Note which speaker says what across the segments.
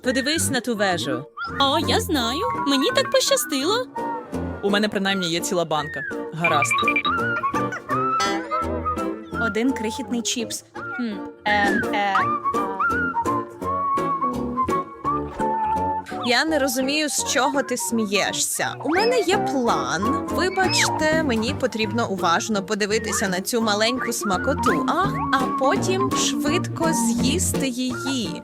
Speaker 1: Подивись на ту вежу.
Speaker 2: О, я знаю. Мені так пощастило.
Speaker 3: У мене принаймні є ціла банка. Гаразд.
Speaker 2: Один крихітний чіпс.
Speaker 1: Я не розумію, з чого ти смієшся. У мене є план. Вибачте, мені потрібно уважно подивитися на цю маленьку смакоту, а потім швидко з'їсти її.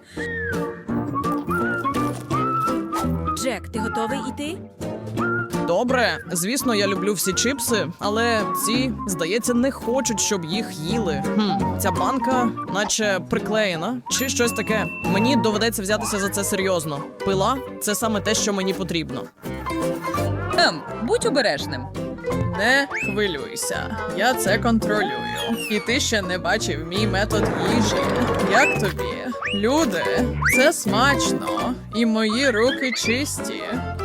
Speaker 2: Джек, ти готовий іти?
Speaker 3: Добре, звісно, я люблю всі чіпси, але ці, здається, не хочуть, щоб їх їли. Ця банка наче приклеєна, чи щось таке. Мені доведеться взятися за це серйозно. Пила – це саме те, що мені потрібно.
Speaker 4: Будь обережним.
Speaker 3: Не хвилюйся, я це контролюю. І ти ще не бачив мій метод їжі. Як тобі? Люди, це смачно. І мої руки чисті.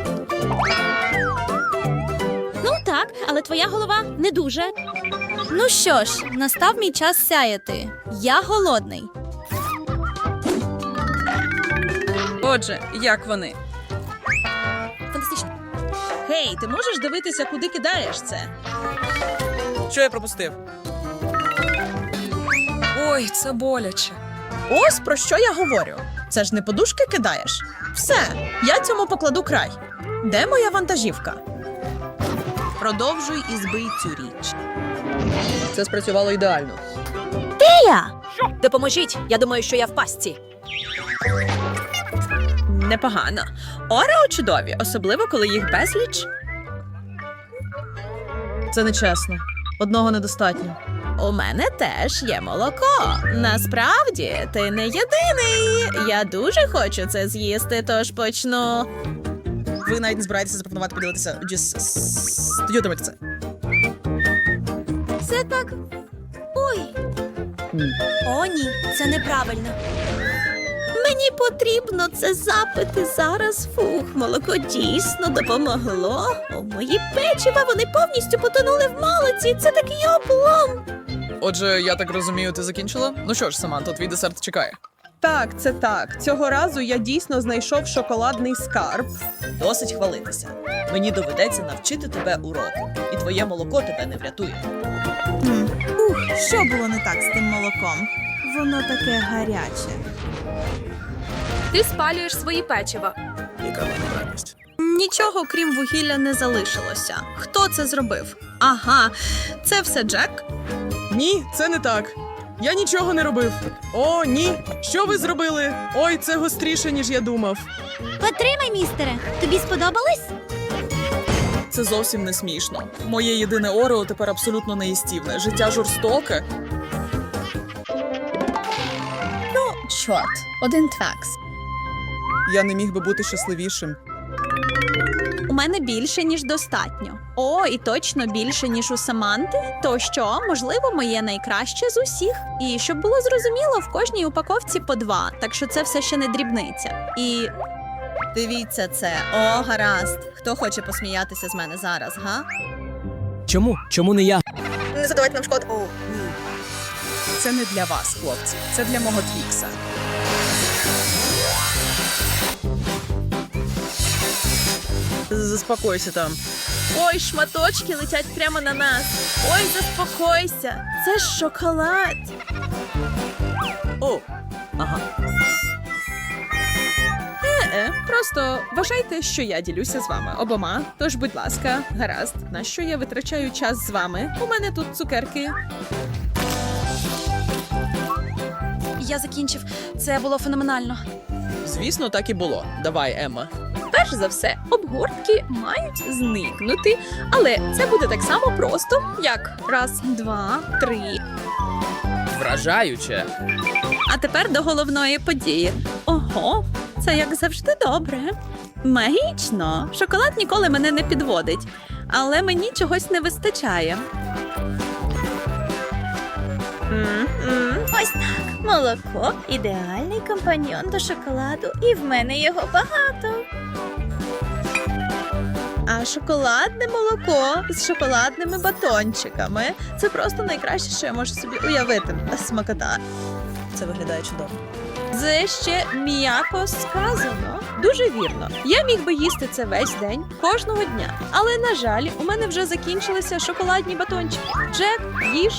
Speaker 2: Ну так, але твоя голова не дуже. Ну що ж, настав мій час сяяти. Я голодний.
Speaker 4: Отже, як вони?
Speaker 2: Фантастично.
Speaker 1: Гей, ти можеш дивитися, куди кидаєш це?
Speaker 3: Що я пропустив?
Speaker 4: Ой, це боляче.
Speaker 1: Ось про що я говорю. Це ж не подушки кидаєш. Все, я цьому покладу край. Де моя вантажівка? Продовжуй і збий цю річ.
Speaker 3: Це спрацювало ідеально.
Speaker 2: Допоможіть, я думаю, що я в пастці.
Speaker 1: Непогано. Орео чудові, особливо коли їх безліч.
Speaker 3: Це нечесно. Одного недостатньо.
Speaker 1: У мене теж є молоко. Насправді, ти не єдиний. Я дуже хочу це з'їсти, тож почну.
Speaker 3: Ви навіть не збираєтеся запропонувати поділитися студіотимете це.
Speaker 2: Це так. Ой. О, ні, це неправильно.
Speaker 1: Мені потрібно це запити зараз. Фух, молоко дійсно допомогло. У мої печива вони повністю потонули в молоці. Це такий облом.
Speaker 3: Отже, я так розумію, ти закінчила? Ну що ж, Саманто, твій десерт чекає.
Speaker 5: Так, це так. Цього разу я дійсно знайшов шоколадний скарб.
Speaker 1: Досить хвалитися. Мені доведеться навчити тебе уроку. І твоє молоко тебе не врятує.
Speaker 6: Що було не так з тим молоком? Воно таке гаряче.
Speaker 2: Ти спалюєш свої печива.
Speaker 1: Нічого, крім вугілля, не залишилося. Хто це зробив? Ага, це все Джек?
Speaker 3: Ні, це не так. Я нічого не робив. О, ні. Що ви зробили? Ой, це гостріше, ніж я думав.
Speaker 2: Потримай, містере. Тобі сподобалось?
Speaker 3: Це зовсім не смішно. Моє єдине орео тепер абсолютно неїстівне. Життя жорстоке.
Speaker 1: Чорт, один твакс.
Speaker 3: Я не міг би бути щасливішим.
Speaker 1: У мене більше, ніж достатньо. О, і точно більше, ніж у Саманти. То що, можливо, моє найкраще з усіх. І щоб було зрозуміло, в кожній упаковці по 2, так що це все ще не дрібниця. І дивіться це. О, гаразд. Хто хоче посміятися з мене зараз, га?
Speaker 7: Чому? Чому не я?
Speaker 1: Не задавайте нам шкоду.
Speaker 4: Це не для вас, хлопці. Це для мого твікса.
Speaker 3: Заспокойся там.
Speaker 1: Ой, шматочки летять прямо на нас. Ой, заспокойся. Це ж шоколад.
Speaker 3: О, ага.
Speaker 5: Просто вважайте, що я ділюся з вами обома. Тож, будь ласка, гаразд, на що я витрачаю час з вами? У мене тут цукерки.
Speaker 2: Я закінчив. Це було феноменально.
Speaker 3: Звісно, так і було. Давай, Емма.
Speaker 1: Перш за все, обгортки мають зникнути, але це буде так само просто, як раз, два, три.
Speaker 7: Вражаюче.
Speaker 1: А тепер до головної події. Ого, це як завжди добре. Магічно. Шоколад ніколи мене не підводить, але мені чогось не вистачає.
Speaker 8: Ось так. Молоко – ідеальний компаньйон до шоколаду, і в мене його багато.
Speaker 1: А шоколадне молоко з шоколадними батончиками – це просто найкраще, що я можу собі уявити. Смакота. Це виглядає чудово. Це ще м'яко сказано. Дуже вірно. Я міг би їсти це весь день, кожного дня. Але, на жаль, у мене вже закінчилися шоколадні батончики. Джек, їж.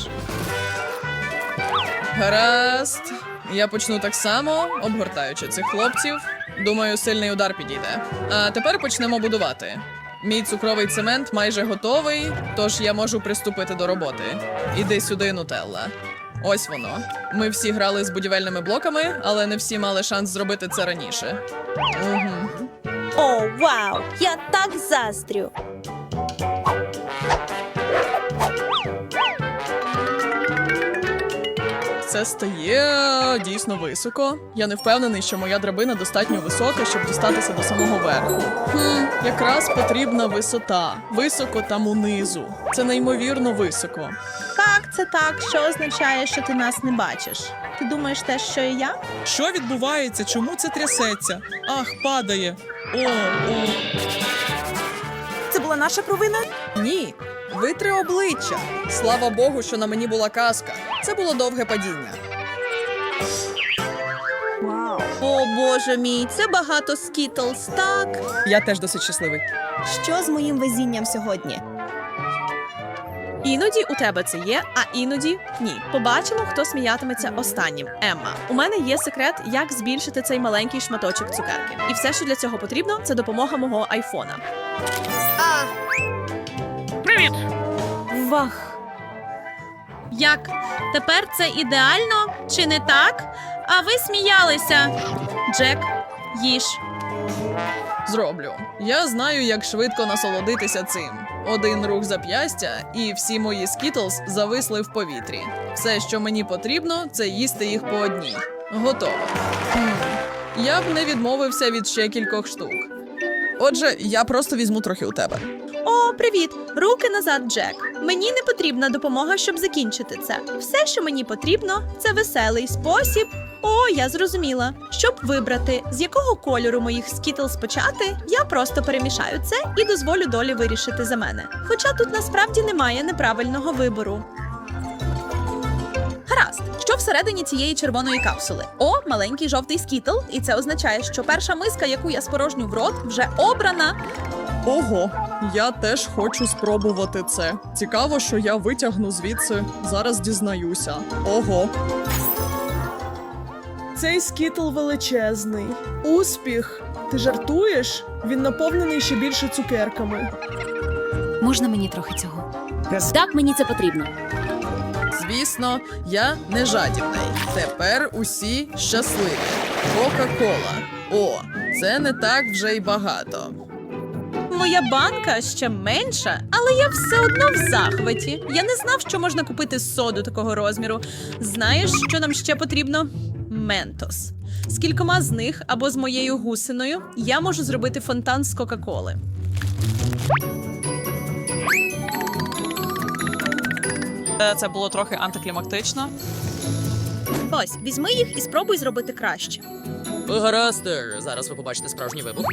Speaker 3: Гаразд. Я почну так само, обгортаючи цих хлопців. Думаю, сильний удар підійде. А тепер почнемо будувати. Мій цукровий цемент майже готовий, тож я можу приступити до роботи. Іди сюди, Нутелла. Ось воно. Ми всі грали з будівельними блоками, але не всі мали шанс зробити це раніше. Угу.
Speaker 8: О, вау! Я так заздрю.
Speaker 3: Це стає дійсно високо. Я не впевнений, що моя драбина достатньо висока, щоб дістатися до самого верху. Якраз потрібна висота. Високо там унизу. Це неймовірно високо.
Speaker 6: Так, це так, що означає, що ти нас не бачиш. Ти думаєш те, що і я?
Speaker 9: Що відбувається? Чому це трясеться? Ах, падає. О.
Speaker 6: Це була наша провина?
Speaker 3: Ні, витри обличчя. Слава Богу, що на мені була каска. Це було довге падіння.
Speaker 1: О, боже мій, це багато скітлз, так?
Speaker 3: Я теж досить щасливий.
Speaker 6: Що з моїм везінням сьогодні?
Speaker 5: Іноді у тебе це є, а іноді ні. Побачимо, хто сміятиметься останнім. Емма, у мене є секрет, як збільшити цей маленький шматочок цукерки. І все, що для цього потрібно, це допомога мого айфона.
Speaker 2: Вах. Як? Тепер це ідеально, чи не так? А ви сміялися. Джек, їж.
Speaker 3: Зроблю. Я знаю, як швидко насолодитися цим. Один рух зап'ястя, і всі мої скітлз зависли в повітрі. Все, що мені потрібно, це їсти їх по одній. Готово. Я б не відмовився від ще кількох штук. Отже, я просто візьму трохи у тебе.
Speaker 1: О, привіт! Руки назад, Джек. Мені не потрібна допомога, щоб закінчити це. Все, що мені потрібно, це веселий спосіб. О, я зрозуміла. Щоб вибрати, з якого кольору моїх скітлз почати, я просто перемішаю це і дозволю долі вирішити за мене. Хоча тут насправді немає неправильного вибору. Гаразд, що всередині цієї червоної капсули? О, маленький жовтий скітл, і це означає, що перша миска, яку я спорожню в рот, вже обрана.
Speaker 3: Ого, я теж хочу спробувати це. Цікаво, що я витягну звідси. Зараз дізнаюся. Ого.
Speaker 10: Цей скітл величезний. Успіх! Ти жартуєш? Він наповнений ще більше цукерками.
Speaker 2: Можна мені трохи цього? Так, мені це потрібно.
Speaker 3: Звісно, я не жадібний. Тепер усі щасливі. Кока-кола. О, це не так вже й багато.
Speaker 1: Моя банка ще менша, але я все одно в захваті. Я не знав, що можна купити соду такого розміру. Знаєш, що нам ще потрібно? Ментос. З кількома з них або з моєю гусиною я можу зробити фонтан з Кока-Коли.
Speaker 3: Це було трохи антиклімактично.
Speaker 2: Ось, візьми їх і спробуй зробити краще.
Speaker 7: Гаразд, зараз ви побачите справжній вибух.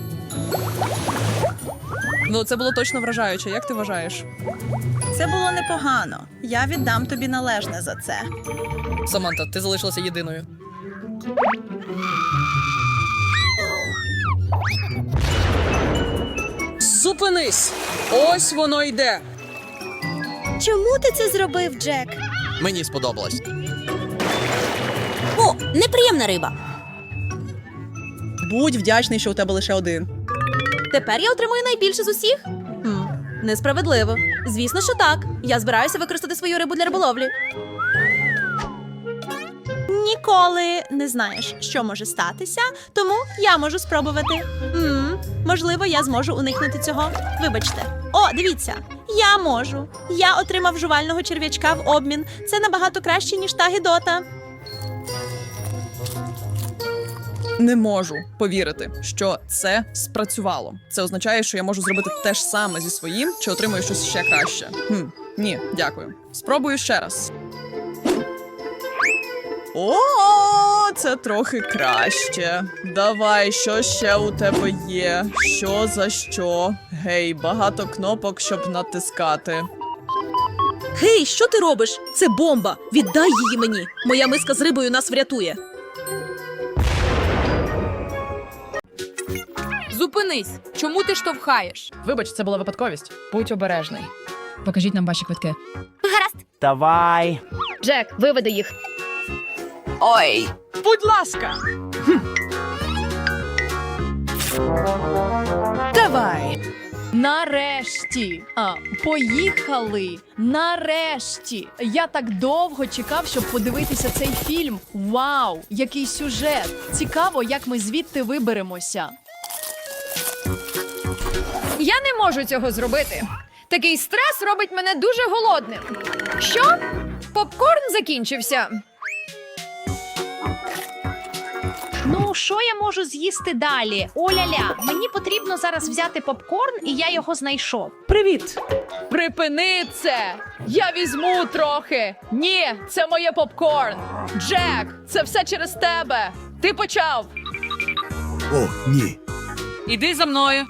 Speaker 3: Ну, це було точно вражаюче. Як ти вважаєш?
Speaker 6: Це було непогано. Я віддам тобі належне за це.
Speaker 3: Саманта, ти залишилася єдиною.
Speaker 7: Зупинись! Ось воно йде!
Speaker 8: Чому ти це зробив, Джек?
Speaker 7: Мені сподобалось.
Speaker 2: О, неприємна риба.
Speaker 5: Будь вдячний, що у тебе лише один.
Speaker 2: Тепер я отримую найбільше з усіх? Несправедливо. Звісно, що так. Я збираюся використати свою рибу для риболовлі.
Speaker 1: Ніколи не знаєш, що може статися, тому я можу спробувати. Можливо, я зможу уникнути цього. Вибачте. О, дивіться, я можу. Я отримав жувального черв'ячка в обмін. Це набагато краще, ніж та гидота.
Speaker 3: Не можу повірити, що це спрацювало. Це означає, що я можу зробити те ж саме зі своїм, чи отримую щось ще краще. Ні, дякую. Спробую ще раз. О, це трохи краще. Давай, що ще у тебе є? Що за що? Гей, багато кнопок, щоб натискати.
Speaker 2: Гей, що ти робиш? Це бомба. Віддай її мені. Моя миска з рибою нас врятує. Зупинись! Чому ти штовхаєш?
Speaker 3: Вибач, це була випадковість. Будь обережний.
Speaker 2: Покажіть нам ваші квитки.
Speaker 11: Давай.
Speaker 8: Джек, виведи їх.
Speaker 7: Ой!
Speaker 3: Будь ласка!
Speaker 6: Давай.
Speaker 2: Нарешті! Поїхали! Нарешті! Я так довго чекав, щоб подивитися цей фільм. Вау! Який сюжет! Цікаво, як ми звідти виберемося.
Speaker 12: Я не можу цього зробити. Такий стрес робить мене дуже голодним. Що? Попкорн закінчився.
Speaker 8: Ну, що я можу з'їсти далі? Оля-ля, мені потрібно зараз взяти попкорн, і я його знайшов.
Speaker 10: Привіт!
Speaker 2: Припини це! Я візьму трохи! Ні, це моє попкорн! Джек, це все через тебе! Ти почав!
Speaker 11: О, ні.
Speaker 2: Іди за мною!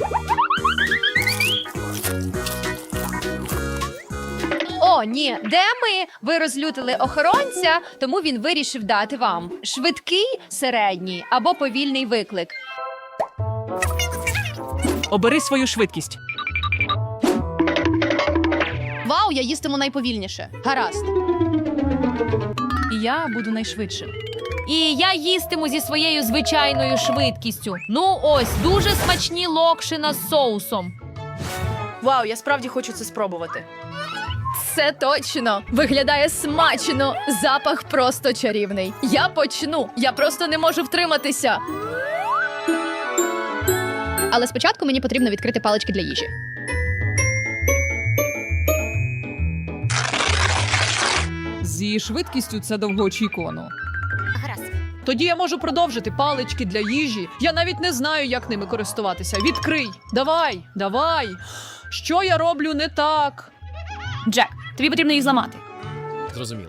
Speaker 12: О, ні, де ми? Ви розлютили охоронця, тому він вирішив дати вам швидкий, середній або повільний виклик.
Speaker 3: Обери свою швидкість.
Speaker 2: Вау, я їстиму найповільніше. Гаразд. І я буду найшвидшим.
Speaker 12: І я їстиму зі своєю звичайною швидкістю. Ну ось, дуже смачні локшина з соусом.
Speaker 5: Вау, я справді хочу це спробувати.
Speaker 12: Це точно. Виглядає смачно. Запах просто чарівний. Я почну. Я просто не можу втриматися. Але спочатку мені потрібно відкрити палички для їжі.
Speaker 2: З її швидкістю це довгоочікувано.
Speaker 8: Гаразд.
Speaker 2: Тоді я можу продовжити палички для їжі. Я навіть не знаю, як ними користуватися. Відкрий! Давай, давай! Що я роблю не так?
Speaker 1: Джек, тобі потрібно їх зламати.
Speaker 7: Зрозуміло.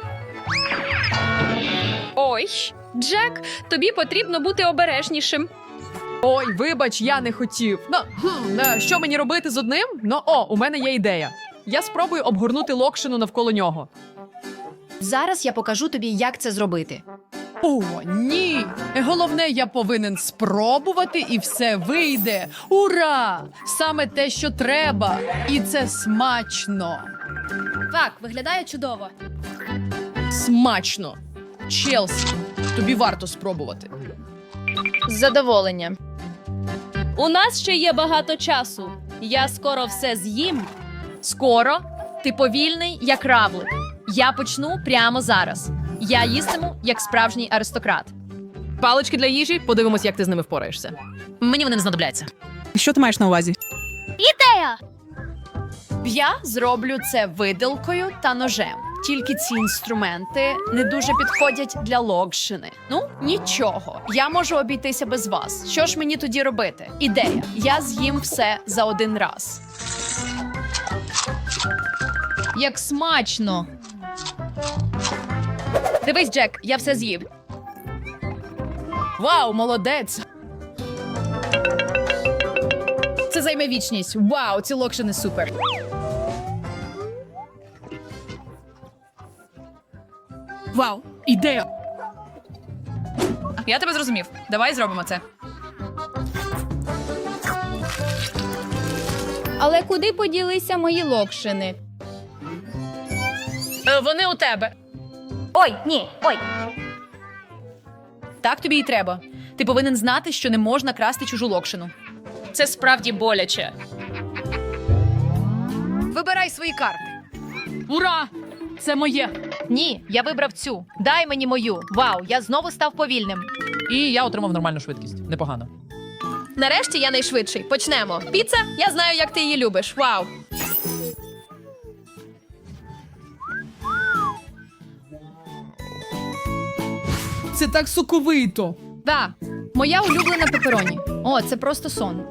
Speaker 12: Ой, Джек, тобі потрібно бути обережнішим.
Speaker 2: Ой, вибач, я не хотів. Що мені робити з одним? У мене є ідея. Я спробую обгорнути локшину навколо нього.
Speaker 12: Зараз я покажу тобі, як це зробити.
Speaker 2: О, ні! Головне, я повинен спробувати, і все вийде. Ура! Саме те, що треба. І це смачно.
Speaker 12: Так, виглядає чудово.
Speaker 2: Смачно. Челсі, тобі варто спробувати.
Speaker 12: З задоволенням. У нас ще є багато часу. Я скоро все з'їм. Скоро? Ти повільний, як равлик. Я почну прямо зараз. Я їстиму, як справжній аристократ.
Speaker 2: Палички для їжі, подивимось, як ти з ними впораєшся.
Speaker 7: Мені вони не знадобляться.
Speaker 6: Що ти маєш на увазі?
Speaker 8: Ідея!
Speaker 12: Я зроблю це виделкою та ножем. Тільки ці інструменти не дуже підходять для локшини. Ну, нічого. Я можу обійтися без вас. Що ж мені тоді робити? Ідея. Я з'їм все за один раз.
Speaker 2: Як смачно.
Speaker 12: Дивись, Джек, я все з'їв.
Speaker 2: Вау, молодець. Це займе вічність. Вау, ці локшини супер.
Speaker 6: Вау, ідея.
Speaker 2: Я тебе зрозумів. Давай зробимо це.
Speaker 12: Але куди поділися мої локшини?
Speaker 2: Вони у тебе.
Speaker 8: Ой, ні, ой.
Speaker 2: Так тобі і треба. Ти повинен знати, що не можна красти чужу локшину. Це справді боляче. Вибирай свої карти. Ура! Це моє.
Speaker 12: Ні, я вибрав цю. Дай мені мою. Вау, я знову став повільним.
Speaker 3: І я отримав нормальну швидкість. Непогано.
Speaker 12: Нарешті я найшвидший. Почнемо. Піца? Я знаю, як ти її любиш. Вау.
Speaker 2: Це так соковито.
Speaker 12: Так, моя улюблена пепероні. О, це просто сон.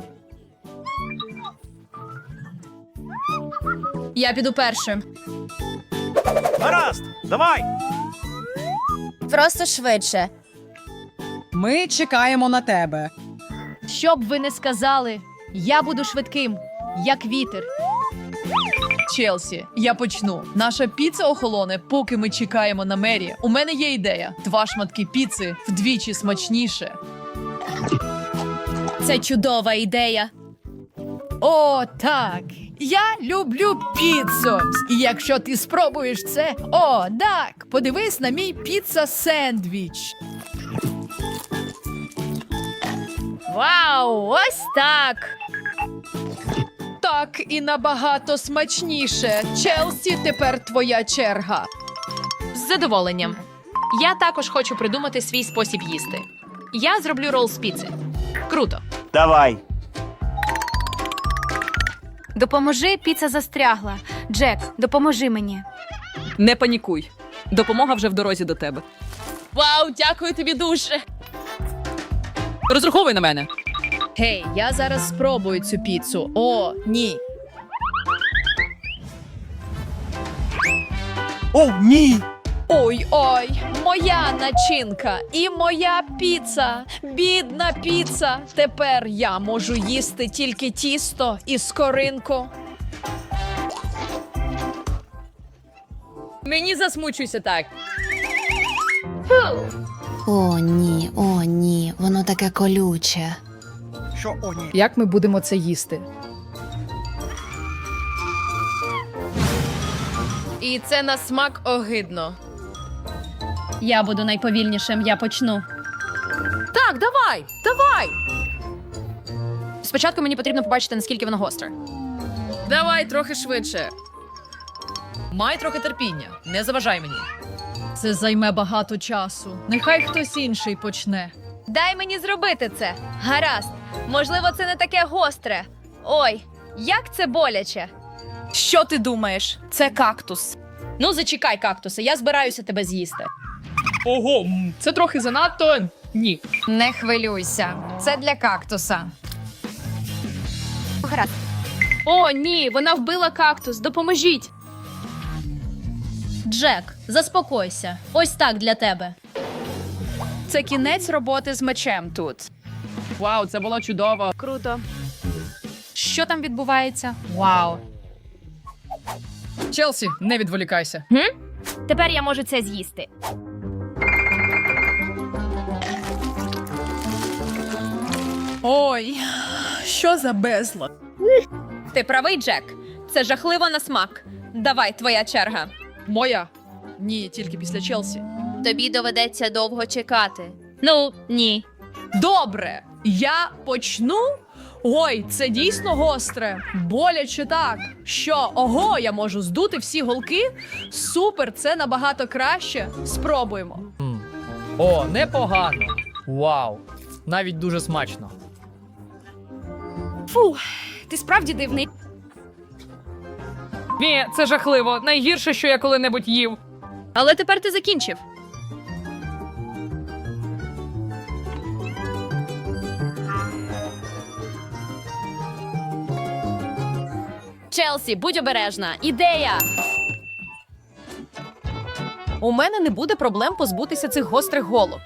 Speaker 12: Я піду першим.
Speaker 11: Гаразд, давай.
Speaker 8: Просто швидше.
Speaker 6: Ми чекаємо на тебе.
Speaker 12: Що б ви не сказали, я буду швидким, як вітер.
Speaker 2: Челсі, я почну. Наша піца охолоне, поки ми чекаємо на Мері. У мене є ідея. 2 шматки піци вдвічі смачніше.
Speaker 1: Це чудова ідея.
Speaker 2: О, так. Я люблю піцу. І якщо ти спробуєш це, о, так, подивись на мій піца-сендвіч.
Speaker 8: Вау, ось так.
Speaker 2: Так і набагато смачніше. Челсі, тепер твоя черга.
Speaker 8: З задоволенням. Я також хочу придумати свій спосіб їсти. Я зроблю рол з піци. Круто.
Speaker 11: Давай.
Speaker 1: Допоможи, піца застрягла. Джек, допоможи мені.
Speaker 3: Не панікуй. Допомога вже в дорозі до тебе.
Speaker 8: Вау, дякую тобі дуже.
Speaker 3: Розраховуй на мене.
Speaker 2: Гей, я зараз спробую цю піцу. О, ні.
Speaker 11: О, ні!
Speaker 2: Ой-ой, моя начинка і моя піца. Бідна піца. Тепер я можу їсти тільки тісто і скоринку. Мені засмучуйся так.
Speaker 1: О, ні, воно таке колюче.
Speaker 11: Що, о, ні?
Speaker 2: Як ми будемо це їсти?
Speaker 12: І це на смак огидно.
Speaker 1: Я буду найповільнішим, я почну.
Speaker 12: Так, давай! Спочатку мені потрібно побачити, наскільки воно гостре.
Speaker 2: Давай трохи швидше. Май трохи терпіння. Не заважай мені. Це займе багато часу. Нехай хтось інший почне.
Speaker 1: Дай мені зробити це. Гаразд. Можливо, це не таке гостре. Ой, як це боляче.
Speaker 12: Що ти думаєш? Це кактус. Ну, зачекай, кактусе, я збираюся тебе з'їсти.
Speaker 2: Ого, це трохи занадто. Ні.
Speaker 12: Не хвилюйся. Це для кактуса.
Speaker 1: Гаразд.
Speaker 8: О, ні, вона вбила кактус. Допоможіть.
Speaker 1: Джек, заспокойся. Ось так для тебе.
Speaker 12: Це кінець роботи з мечем тут.
Speaker 3: Вау, це було чудово.
Speaker 8: Круто.
Speaker 12: Що там відбувається?
Speaker 8: Вау.
Speaker 2: Челсі, не відволікайся.
Speaker 8: Тепер я можу це з'їсти.
Speaker 10: Ой, що за безлад.
Speaker 1: Ти правий, Джек. Це жахливо на смак. Давай, твоя черга.
Speaker 2: Моя? Ні, тільки після Челсі.
Speaker 1: Тобі доведеться довго чекати. Ну, ні.
Speaker 2: Добре, я почну. Ой, це дійсно гостре. Боляче так. Що, ого, я можу здути всі голки? Супер, це набагато краще. Спробуємо.
Speaker 3: О, непогано. Вау. Навіть дуже смачно.
Speaker 12: Ти справді дивний.
Speaker 3: Ні, це жахливо. Найгірше, що я коли-небудь їв.
Speaker 1: Але тепер ти закінчив.
Speaker 12: Челсі, будь обережна. Ідея!
Speaker 8: У мене не буде проблем позбутися цих гострих голок.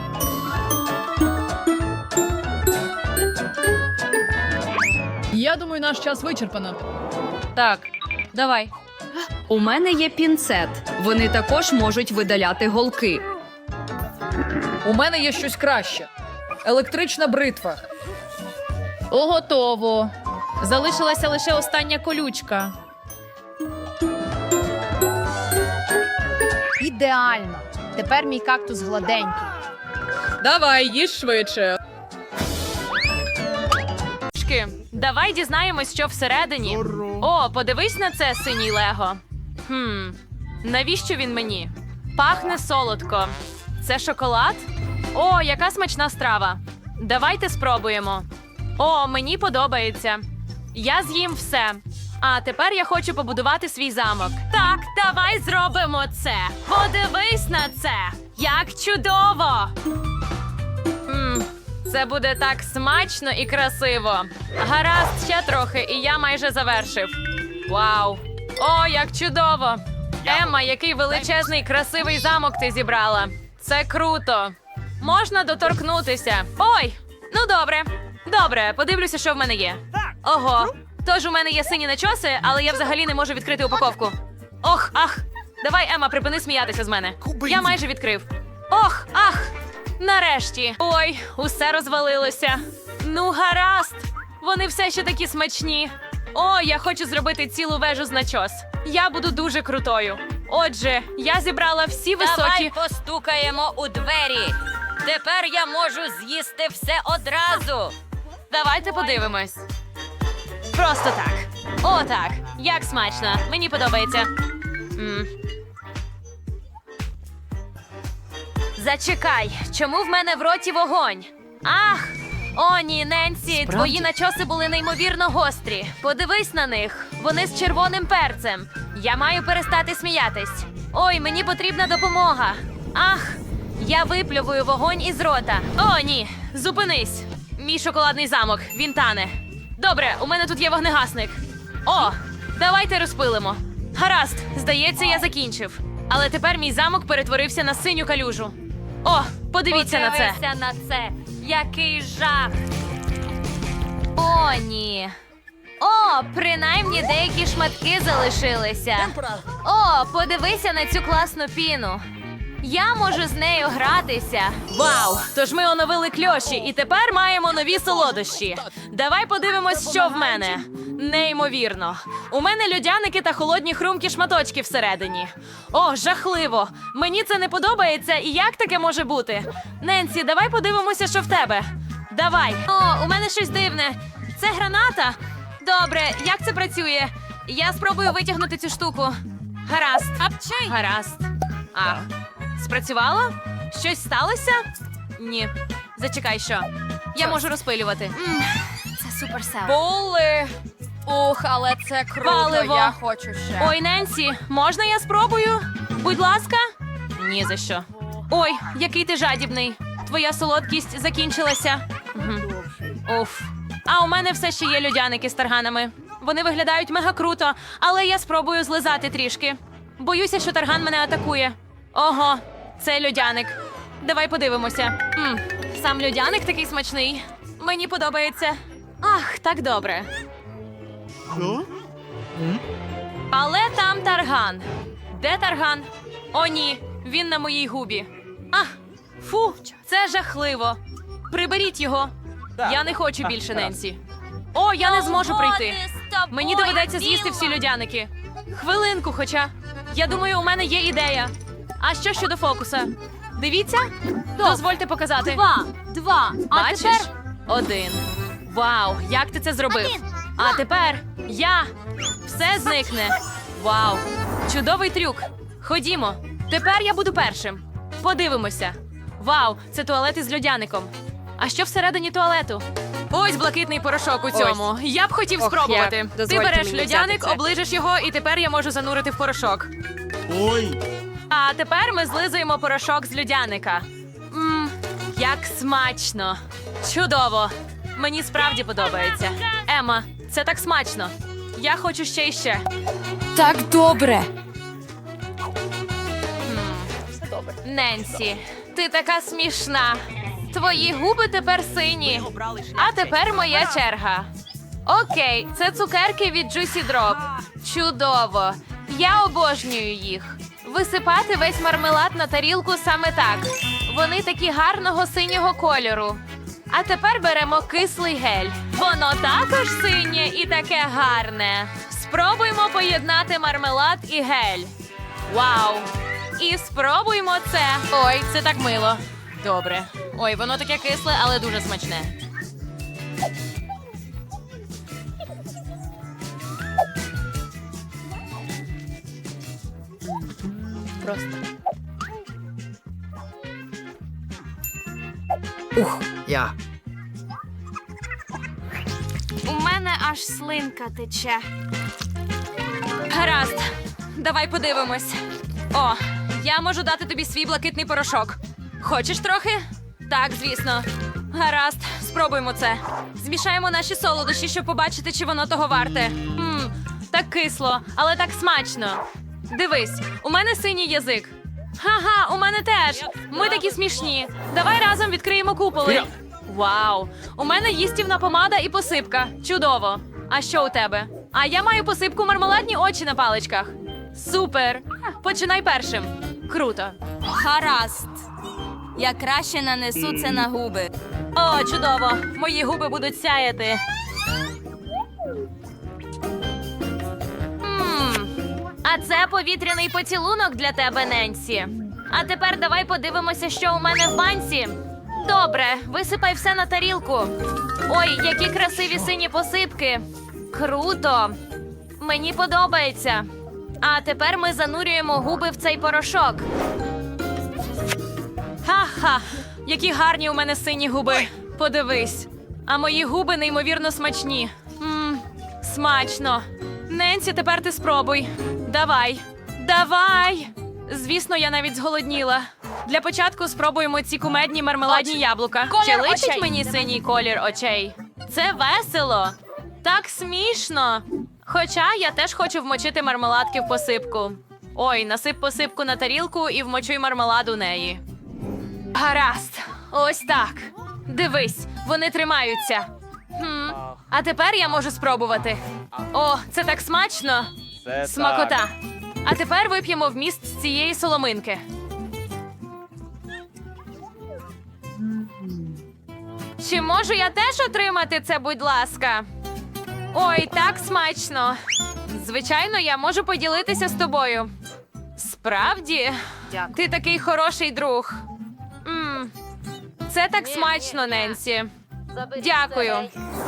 Speaker 2: Я думаю, наш час вичерпано.
Speaker 8: Так, давай.
Speaker 12: У мене є пінцет. Вони також можуть видаляти голки.
Speaker 2: У мене є щось краще. Електрична бритва.
Speaker 8: Готово. Залишилася лише остання колючка.
Speaker 12: Ідеально. Тепер мій кактус гладенький.
Speaker 2: Давай, їж швидше.
Speaker 8: Давай дізнаємось, що всередині. О, подивись на це, синій Лего. Навіщо він мені? Пахне солодко. Це шоколад? О, яка смачна страва. Давайте спробуємо. О, мені подобається. Я з'їм все. А тепер я хочу побудувати свій замок. Так, давай зробимо це. Подивись на це. Як чудово! Це буде так смачно і красиво. Гаразд, ще трохи, і я майже завершив. Вау! О, як чудово! Емма, який величезний красивий замок ти зібрала. Це круто. Можна доторкнутися. Ой, ну добре. Добре, подивлюся, що в мене є. Ого. Тож у мене є сині начоси, але я взагалі не можу відкрити упаковку. Ох, ах. Давай, Емма, припини сміятися з мене. Я майже відкрив. Ох, ах. Нарешті. Ой, усе розвалилося. Ну, гаразд. Вони все ще такі смачні. О, я хочу зробити цілу вежу з начос. Я буду дуже крутою. Отже, я зібрала всі високі...
Speaker 12: постукаємо у двері. Тепер я можу з'їсти все одразу.
Speaker 8: Давайте подивимось. Просто так. О, так. Як смачно. Мені подобається. Зачекай, чому в мене в роті вогонь? Ах! О, ні, Ненсі, твої начоси були неймовірно гострі. Подивись на них. Вони з червоним перцем. Я маю перестати сміятись. Ой, мені потрібна допомога. Ах! Я виплювую вогонь із рота. О, ні, зупинись. Мій шоколадний замок, він тане. Добре, у мене тут є вогнегасник. О, давайте розпилимо. Гаразд, здається, я закінчив. Але тепер мій замок перетворився на синю калюжу. О, подивіться на це.
Speaker 12: Подивися на це. Який жах.
Speaker 8: О, ні. О, принаймні деякі шматки залишилися. О, подивися на цю класну піну. Я можу з нею гратися. Вау! Тож ми оновили кльоші і тепер маємо нові солодощі. Давай подивимось, що в мене. Неймовірно. У мене льодяники та холодні хрумкі шматочки всередині. О, жахливо! Мені це не подобається, і як таке може бути? Ненсі, давай подивимося, що в тебе. Давай. О, у мене щось дивне. Це граната? Добре, як це працює? Я спробую витягнути цю штуку. Гаразд. Гаразд. Ах. Спрацювало? Щось сталося? Ні. Зачекай, що? Я можу розпилювати.
Speaker 12: Це суперсел.
Speaker 2: Були. Ух, але це круто.
Speaker 8: Паливо.
Speaker 2: Я хочу ще.
Speaker 8: Ой, Ненсі, можна я спробую? Будь ласка? Ні за що. Ой, який ти жадібний. Твоя солодкість закінчилася. Уф. А у мене все ще є льодяники з тарганами. Вони виглядають мега круто, але я спробую злизати трішки. Боюся, що тарган мене атакує. Ого, це льодяник. Давай подивимося. Сам льодяник такий смачний. Мені подобається. Ах, так добре. Але там тарган. Де тарган? О, ні, він на моїй губі. Ах, фу, це жахливо. Приберіть його. Я не хочу більше Ненсі. О, я не зможу прийти. Мені доведеться з'їсти всі льодяники. Хвилинку, хоча. Я думаю, у мене є ідея. А що щодо фокуса? Дивіться? Дозвольте показати.
Speaker 12: Два.
Speaker 8: Бачиш? 1. Вау, як ти це зробив? А тепер я. Все зникне. Вау, чудовий трюк. Ходімо. Тепер я буду першим. Подивимося. Вау, це туалет із льодяником. А що всередині туалету? Ось блакитний порошок у цьому. Я б хотів спробувати. Ти береш льодяник, оближеш його, і тепер я можу занурити в порошок.
Speaker 11: Ой.
Speaker 8: А тепер ми злизуємо порошок з льодяника. Як смачно. Чудово. Мені справді подобається. Ема, це так смачно. Я хочу ще і ще.
Speaker 12: Так добре.
Speaker 8: Ненсі, ти така смішна. Твої губи тепер сині. А тепер моя черга. Окей, це цукерки від Juicy Drop. Чудово. Я обожнюю їх. Висипати весь мармелад на тарілку саме так. Вони такі гарного синього кольору. А тепер беремо кислий гель. Воно також синє і таке гарне. Спробуймо поєднати мармелад і гель. Вау! І спробуймо це. Ой, це так мило. Добре. Ой, воно таке кисле, але дуже смачне.
Speaker 7: Я.
Speaker 8: У мене аж слинка тече. Гаразд, давай подивимось. О, я можу дати тобі свій блакитний порошок. Хочеш трохи? Так, звісно. Гаразд, спробуємо це. Змішаємо наші солодощі, щоб побачити, чи воно того варте. Так кисло, але так смачно. Дивись, у мене синій язик. Ха-ха, у мене теж. Ми такі смішні. Давай разом відкриємо куполи. Вау! У мене їстівна помада і посипка. Чудово. А що у тебе? А я маю посипку мармеладні очі на паличках. Супер! Починай першим. Круто.
Speaker 12: Гаразд.
Speaker 8: Я краще нанесу це на губи. О, чудово! Мої губи будуть сяяти. А це повітряний поцілунок для тебе, Ненсі. А тепер давай подивимося, що у мене в банці. Добре, висипай все на тарілку. Ой, які красиві сині посипки. Круто. Мені подобається. А тепер ми занурюємо губи в цей порошок. Ха-ха! Які гарні у мене сині губи. Подивись. А мої губи неймовірно смачні. Смачно. Ненсі, тепер ти спробуй. Давай. Давай! Звісно, я навіть зголодніла. Для початку спробуємо ці кумедні мармеладні яблука. Чи личить мені синій колір очей? Це весело. Так смішно. Хоча я теж хочу вмочити мармеладки в посипку. Ой, насип посипку на тарілку і вмочуй мармелад у неї. Гаразд. Ось так. Дивись, вони тримаються. А тепер я можу спробувати. О, це так смачно. Смакота. А тепер вип'ємо вміст з цієї соломинки. Чи можу я теж отримати це, будь ласка? Ой, так смачно. Звичайно, я можу поділитися з тобою. Справді? Ти такий хороший друг. Це так смачно, Ненсі. Дякую.